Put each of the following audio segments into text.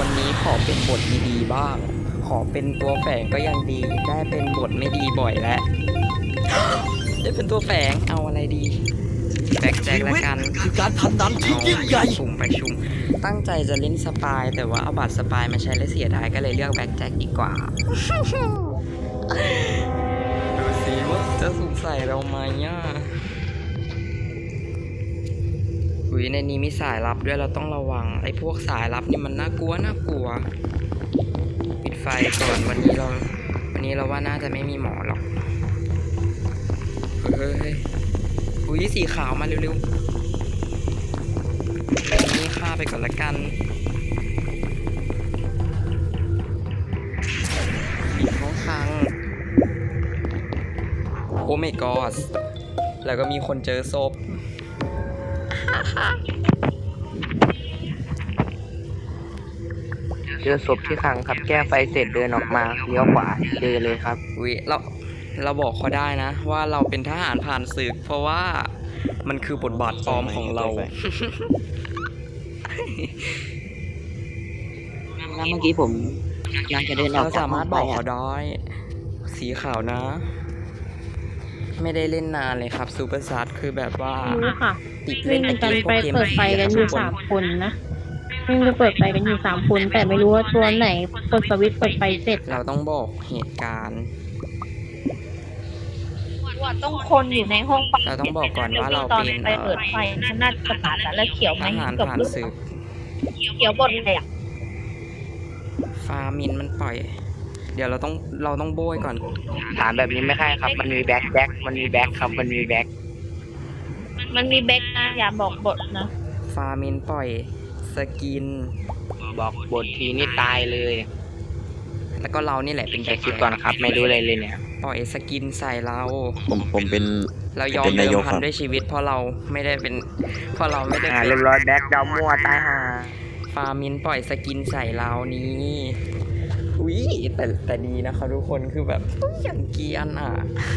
นี้ขอเป็นบทดีๆบ้างขอเป็นตัวแฝงก็ยังดีได้เป็นบทไม่ดีบ่อยแล้ว ได้เป็นตัวแฝงเอาอะไรดีแบ็คแจ็คละกันคือการพนันที่ยิ่งใหญ่ประชุมตั้งใจจะเล่นสปายแต่ว่าเอาบัตรสปายมาใช้แล้วเสียดายก็เลยเลือกแบ็คแจ็คดีกว่า ดูสิว่าจะสงสัยเราไหมอ่ะอุ้ยในนี้มีสายลับด้วยเราต้องระวังไอ้พวกสายลับนี่มันน่ากลัวปิดไฟก่อนวันนี้เราว่าน่าจะไม่มีหมอหรอกเฮ้ยอุ้ยสีขาวมาเร็วๆนี่ฆ่าไปก่อนละกันปิดห้องคังโอ้ my god แล้วก็มีคนเจอศพเจอศพที่ขังครับแก้ไฟเสร็จเดินออกมาเลี้ยวขวาเจอเลยครับอุ้ยเราบอกเขาได้นะว่าเราเป็นทหารผ่านศึกเพราะว่ามันคือบทบาทปลอมของเราแล้วเมื่อกี้ผมยังจะเดินออกเราสามารถบอกเขาได้สีขาวนะ ไม่ได้เล่นนานเลยครับซูเปอร์ซัดคือแบบว่ารู้ค่ะติดวิ่เล่งนกันพไปวกเกมเปิดไฟกันอยู่3 คนนะวิ่งไปเปิดไฟกันอยู่3 คนแต่ไม่รู้ว่าตัวไหนกดสวิตช์เปิดไฟเสร็จเราต้องบอกเหตุการณ์ว่าต้องคนอยู่ในห้องเราต้องบอกก่อนว่าเราตอนเป็นไปเปิดไฟน่าจะตัดแล้วเขียวทไหมหารกับผ่านลูกศึกเขียวบนเลยอ่ะฟามินมันปล่อย เดี๋ยวเราต้องโบยก่อนถามแบบนี้ไม่ใช่ครับมันมีแบ็คมันมีแบ็คครับมันมีแบ็คมันมีแบ็กนะอย่าบอกบทนะฟามินปล่อยสกินบอกบททีนี่ตายเลยแล้วก็เรานี่แหละเป็นแค่คิดก่อนครับไม่รู้อะไรเลยเนี่ยปล่อยสกินใส่เราผมเป็นเรายอมเป็นเดินายมกพันครับด้วยชีวิตเพราะเราไม่ได้เป็นเรียบร้อยแบ็คดาวมั่วตายห่าฟามินปล่อยสกินใส่เรานี้อุ้ยแต่ดีนะครับทุกคนคือแบบอย่างเกรียนอ่ะ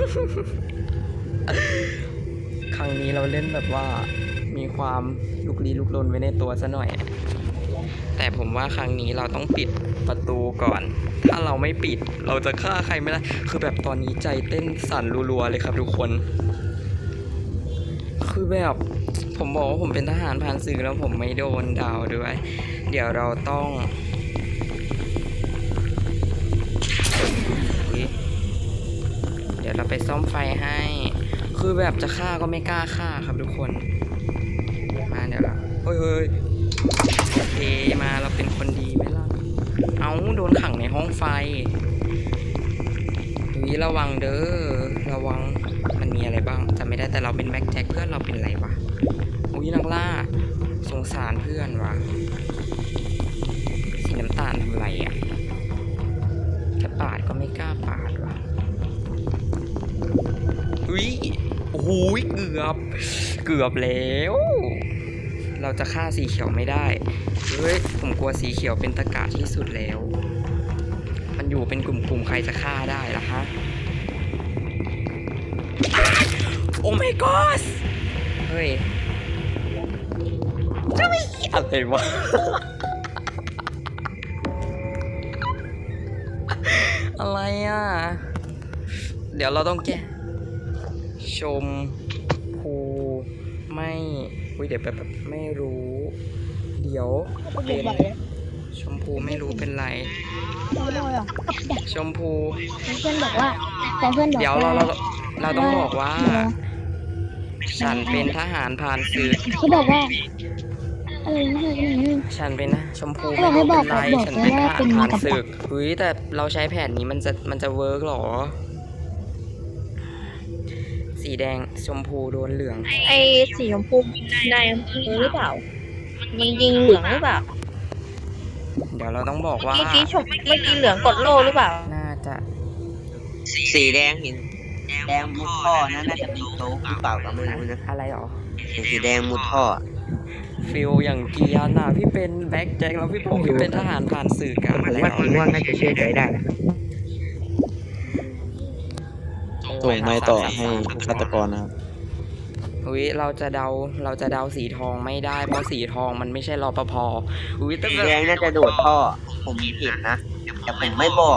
ครั้งนี้เราเล่นแบบว่ามีความลุกลี้ลุกลนไว้ในตัวซะหน่อย แต่ผมว่าครั้งนี้เราต้องปิดประตูก่อน ถ้าเราไม่ปิดเราจะฆ่าใครไม่ได้คือแบบตอนนี้ใจเต้นสั่นรัวๆเลยครับทุกคน คือแบบผมบอกว่าผมเป็นทหารผ่านศึกแล้วผมไม่โดนดาวด้วย เดี๋ยวเราต้องเดี๋ยวเราไปซ่อมไฟให้ คือแบบจะฆ่าก็ไม่กล้าฆ่าครับทุกคนมาเดี๋ยวละเฮ้ยโอเคมาเราเป็นคนดีไหมล่ะเอาโดนขังในห้องไฟระวังเด้อระวังมันมีอะไรบ้างจำไม่ได้แต่เราเป็นแบ็คแจ็คเพื่อนเราเป็นอะไรวะอุ้ยนักล่าสงสารเพื่อนวะสีน้ำตาลทำไรอ่ะจะปาดก็ไม่กล้าปาดวะอุ้ยโอ้โหเกือบแล้วเราจะฆ่าสีเขียวไม่ได้เฮ้ยผมกลัวสีเขียวเป็นตะกะที่สุดแล้วมันอยู่เป็นกลุ่มใครจะฆ่าได้ล่ะฮะโอ้ my god เฮ้ยจะไม่อะไรวะ อะไรอ่ะเดี๋ยวเราต้องแก้ชมพูไม่เดี๋ยวแบบไม่รู้เดี๋ยวเป็นชมพูไม่รู้เป็นไรชมพูเพื่อนบอกว่าเดี๋ยวเราต้องบอกว่าฉันเป็นทหารผ่านศึกเขาบอกว่าอะไรนะฉันเป็นนะชมพูไม่รู้เป็นไรฉันเป็นทหารผ่านศึกเฮ้ยแต่เราใช้แผนนี้มันจะเวิร์กหรอสีแดงชมพูโดนเหลืองไอ้สีชมพูในอำเภอหรือเปล่ายิงเหลืองหรือเปล่าเดี๋ยวเราต้องบอกว่าเมื่อกี้เหลืองกดโล่หรือเปล่าน่าจะสีแดงเห็นแดงมุดท่อนะน่าจะเป็นโต๊ะหรือเปล่าก็ไม่รู้นะอะไรหรอสีแดงมุดท่อฟิลอย่างเกียร์น่ะพี่เป็นแบ็คแจ็คแล้วพี่เป็นทหารผ่านสื่อกันอะไรหรว่าอสีม่วงน่าจะเชื่อใจได้นะส่งไม้ต่อให้ฆาตกรนะครับอุ้ยเราจะเดาสีทองไม่ได้เพราะสีทองมันไม่ใช่รปภอุ้ยแต่สีแบบแดงน่าจะโดดท่อ ผมเห็นนะ แต่ผมไม่บอก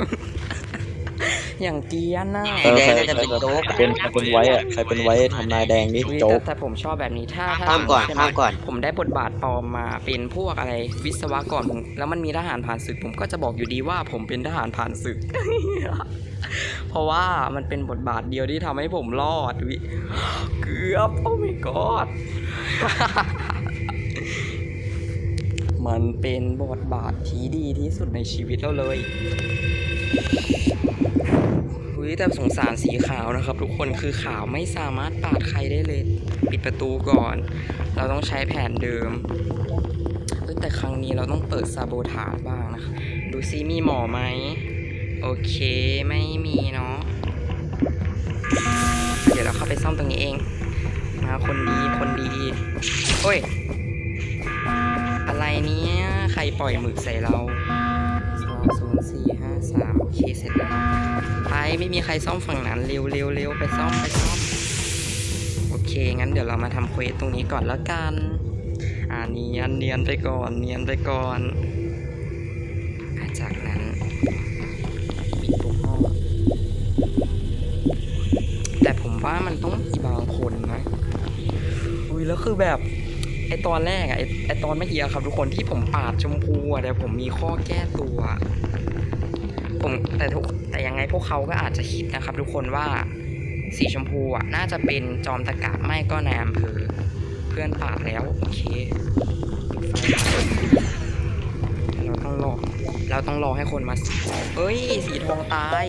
อย่างเกรียนน่ะเออแดงใครน่าจะเป็นโจ๊กเป็นไว้อะใครเป็นไว้ทำนายแดงนี่อุ๊ยโจ๊กแต่ผมชอบแบบนี้ถ้าข้ามก่อนใช่ไหข้ามก่อนผมได้บทบาทปลอมมาเป็นพวกอะไรวิศวกรผมแล้วมันมีทหารผ่านศึกผมก็จะบอกอยู่ดีว่าผมเป็นทหารผ่านศึก เพราะว่ามันเป็นบทบาทเดียวที่ทำให้ผมรอดวิเกือบโอ้ my god มันเป็นบทบาทที่ดีที่สุดในชีวิตเราเลยแต่สงสารสีขาวนะครับทุกคนคือขาวไม่สามารถปาดใครได้เลย ปิดประตูก่อน เราต้องใช้แผนเดิมแต่ครั้งนี้เราต้องเปิดซาโบทาจบ้างนะคะดูซิมีหมอไหมโอเคไม่มีเนาะเดี๋ยวเราเข้าไปซ่อมตรงนี้เองมาคนดีโอ้ยอะไรเนี้ยใครปล่อยหมึกใส่เรา20453โอเคเสร็จแล้วไปไม่มีใครซ่อมฝั่งนั้นเร็วไปซ่อมโอเคงั้นเดี๋ยวเรามาทำเควสตรงนี้ก่อนแล้วกันเนียนไปก่อนจากนั้นปิดทุกห้องแต่ผมว่ามันต้องมีบางคนนะแล้วคือแบบไอตอนแรกไอตอนเมื่อกี้ครับทุกคนที่ผมปาดชมพูแต่ผมมีข้อแก้ตัวแต่ยังไงพวกเขาก็อาจจะคิดนะครับทุกคนว่าสีชมพูน่าจะเป็นจอมตะกะไม่ก็นายอำเภอเพื่อนปาดแล้วโอเคเราต้องรอให้คนมาเอ้ยสีทองตาย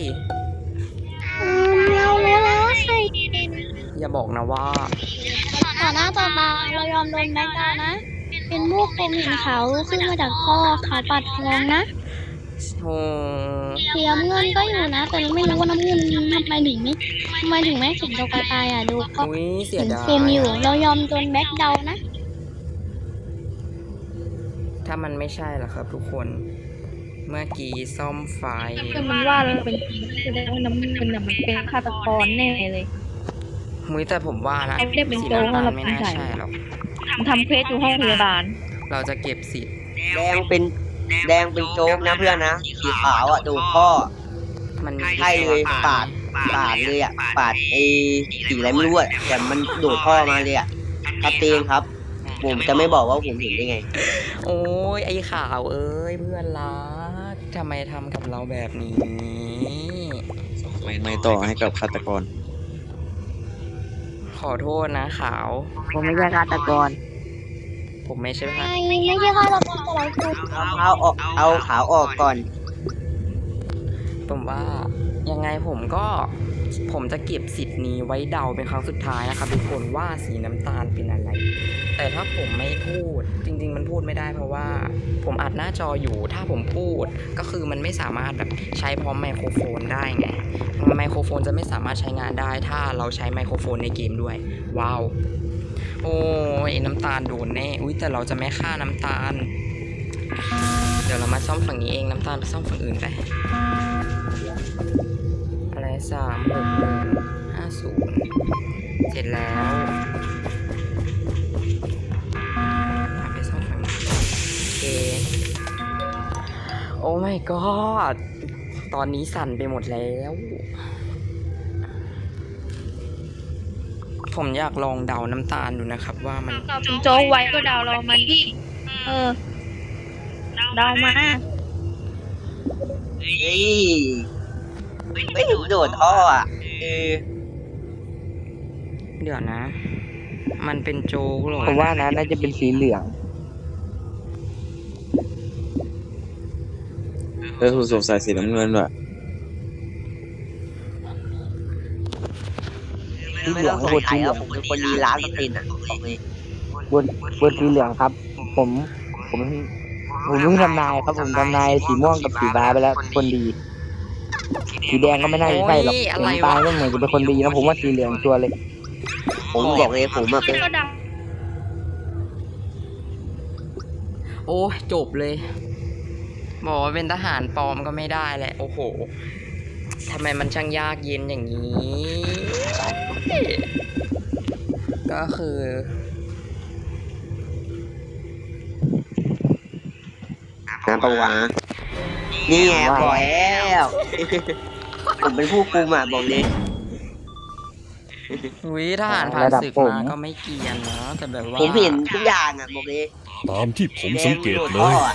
เราแล้วใครอย่าบอกนะว่าต่อหน้าต่อตาเรายอมโดนแบ็คดาวน์นะ เป็นพวกผมเห็นเขาขึ้นมาจากท่อเขาปัดทองนะโอ้เสียเงินก็อยู่นะ แต่ไม่รู้ว่าน้ำเงินทำไมถึงไม่เห็นตัวกระตายดูก็เสียเห็นดายเฟรมอยู่ เรายอมโดนแบ็คดาวน์นะถ้ามันไม่ใช่ล่ะครับทุกคนเมื่อกี้ซ่อมไฟคือมันว่าเราเป็นจริงแสดงว่าน้ำเงินมันเป็นฆาตกรแน่เลยแต่ผมว่านะไม่ได้เป็นสีโจ๊กน้ำตาลเราไม่เป็นน่าใครใช่หรอกทำเควสอยู่ห้องพยาบาลเราจะเก็บสิทธิ์แดงเป็นโจ๊กนะเพื่อนนะ สีขาวโดดท่อมันใช่เลยปาดเลยปาดสีอะไรไม่รู้แต่มันโดดท่อมาเลยครับเตงครับ ผมจะไม่บอกว่าผมเห็นได้ไงโอ้ยไอ้ขาวเอ้ยเพื่อนรักทำไมทำกับเราแบบนี้ไม่ต่อให้กับฆาตกรขอโทษนะขาวผมไม่ใช่ฆาตกรผมไม่ใช่ค่ะไม่ใช่ค่ะเราเป็นแต่เราคือเอาขาวออกก่อนผมว่ายังไงผมจะเก็บสิทธิ์นี้ไว้เดาเป็นครั้งสุดท้ายนะครับทุกคนว่าสีน้ำตาลเป็นอะไร แต่ถ้าผมไม่พูดจริงๆมันพูดไม่ได้เพราะว่าผมอัดหน้าจออยู่ถ้าผมพูดก็คือมันไม่สามารถแบบใช้พร้อมไมโครโฟนได้ไงไมโครโฟนจะไม่สามารถใช้งานได้ถ้าเราใช้ไมโครโฟนในเกมด้วยว้าวโอ้ยน้ำตาลโดนแน่แต่เราจะไม่ฆ่าน้ำตาลเดี๋ยวเรามาซ่อมฝั่งนี้เองน้ำตาลไปซ่อมฝั่งอื่นไปอะไร36150เสร็จแล้วไปซ่อมฝั่งนี้โอเคโอ้ my god ตอนนี้สั่นไปหมดแล้วผมอยากลองเดาน้ำตาลดูนะครับว่ามันโจ๊กไว้ก็เดาเรามาดิเดามาเฮ้ยไม่ถึงโดดท่อเดี๋ยวนะ มันเป็นโจ๊กหรอผมว่านะน่าจะเป็นสีเหลืองถูกสงสัยสีน้ำเงินว่ะสีเหลืองบนสีเหลืองผมเป็นคนดีล้านเปอร์เซ็นต์บอกเลยบนสีเหลืองครับ ผมเพิ่งทำนายครับผมทำนายสีม่วงกับสีฟ้าไปแล้วคนดี สีแดงก็ไม่น่าจะใช่หรอกผมตายก็เหมือนจะเป็นคนดีนะผมว่าสีเหลืองชัวร์เลย ผมบอกเลยผมเป็นโอ้จบเลยบอกว่าเป็นทหารปลอมก็ไม่ได้แหละโอ้โหทำไมมันช่างยากเย็นอย่างนี้ก็คือนะปะวะนี่ไงบอกแล้ว ผมเป็นผู้คุมอ่ะบอกเลยวิทหารผ่านศึกมาก็ไม่เกรียนนะแต่แบบว่าผมเห็นทุกอย่างอ่ะบอกเลยตามที่ผมสังเกตเลท่อย อะ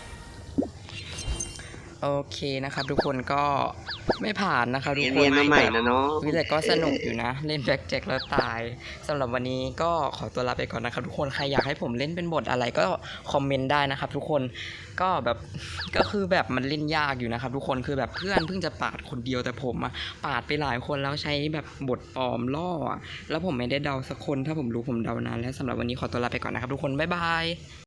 โอเคนะครับทุกคนก็ไม่ผ่านนะครับทุกคนเรียนมาใหม่นะเนาะวิแต่ก็สนุกอยู่นะ เล่นแบ็คแจ็คแล้วตายสำหรับวันนี้ก็ขอตัวลาไปก่อนนะครับทุกคนใครอยากให้ผมเล่นเป็นบทอะไรก็คอมเมนต์ได้นะครับทุกคนก็แบบก็คือแบบมันเล่นยากอยู่นะครับทุกคนคือแบบเพื่อนเพิ่งจะปาดคนเดียวแต่ผมอะปาดไปหลายคนแล้วใช้แบบบทปลอมล่ออะแล้วผมไม่ได้เดาสักคนถ้าผมรู้ผมเดานานแล้วสำหรับวันนี้ขอตัวลาไปก่อนนะครับทุกคนบ๊ายบาย